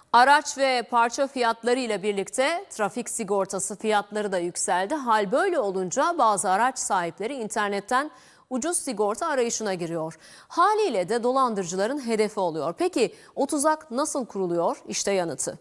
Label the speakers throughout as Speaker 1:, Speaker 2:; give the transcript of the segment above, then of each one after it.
Speaker 1: Araç ve parça fiyatları ile birlikte trafik sigortası fiyatları da yükseldi. Hal böyle olunca bazı araç sahipleri internetten ucuz sigorta arayışına giriyor. Haliyle de dolandırıcıların hedefi oluyor. Peki o tuzak nasıl kuruluyor? İşte yanıtı.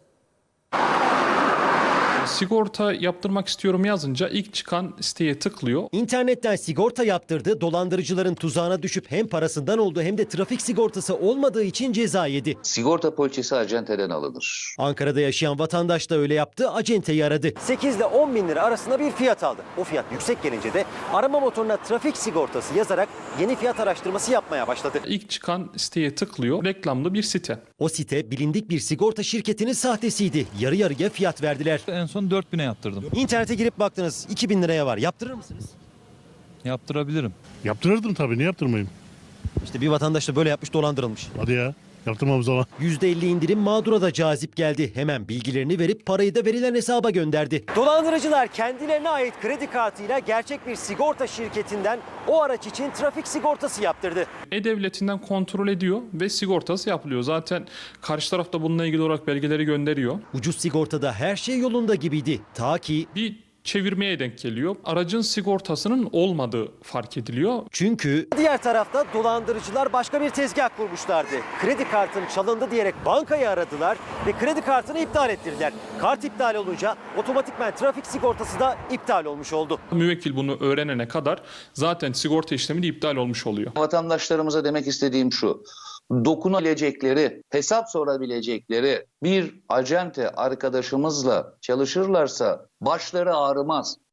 Speaker 2: Sigorta yaptırmak istiyorum yazınca ilk çıkan siteye tıklıyor.
Speaker 3: İnternetten sigorta yaptırdı, dolandırıcıların tuzağına düşüp hem parasından oldu hem de trafik sigortası olmadığı için ceza yedi.
Speaker 4: Sigorta poliçesi acenteden alınır.
Speaker 3: Ankara'da yaşayan vatandaş da öyle yaptı, acenteyi aradı. 8 ile 10 bin lira arasında bir fiyat aldı. O fiyat yüksek gelince de arama motoruna trafik sigortası yazarak yeni fiyat araştırması yapmaya başladı.
Speaker 2: İlk çıkan siteye tıklıyor. Reklamlı bir site.
Speaker 3: O site bilindik bir sigorta şirketinin sahtesiydi. Yarı yarıya fiyat verdiler.
Speaker 5: En son 4000'e yaptırdım.
Speaker 3: İnternete girip baktınız 2000 liraya var. Yaptırır mısınız?
Speaker 5: Yaptırabilirim.
Speaker 6: Yaptırırdım tabii, niye yaptırmayayım?
Speaker 3: İşte bir vatandaş da böyle yapmış, dolandırılmış.
Speaker 6: Hadi ya, yaptırmam zaman.
Speaker 3: %50 indirim mağdura da cazip geldi. Hemen bilgilerini verip parayı da verilen hesaba gönderdi. Dolandırıcılar kendilerine ait kredi kartıyla gerçek bir sigorta şirketinden o araç için trafik sigortası yaptırdı.
Speaker 2: E-Devleti'nden kontrol ediyor ve sigortası yapılıyor. Zaten karşı taraf da bununla ilgili olarak belgeleri gönderiyor.
Speaker 3: Ucuz sigortada her şey yolunda gibiydi. Ta ki
Speaker 2: Bir çevirmeye denk geliyor. Aracın sigortasının olmadığı fark ediliyor.
Speaker 3: çünkü diğer tarafta dolandırıcılar başka bir tezgah kurmuşlardı. Kredi kartın çalındı diyerek bankayı aradılar ve kredi kartını iptal ettirdiler. Kart iptal olunca otomatikman trafik sigortası da iptal olmuş oldu.
Speaker 2: Müvekkil bunu öğrenene kadar zaten sigorta işlemi de iptal olmuş oluyor.
Speaker 4: Vatandaşlarımıza demek istediğim şu: dokunabilecekleri, hesap sorabilecekleri bir acente arkadaşımızla çalışırlarsa başları ağrımaz.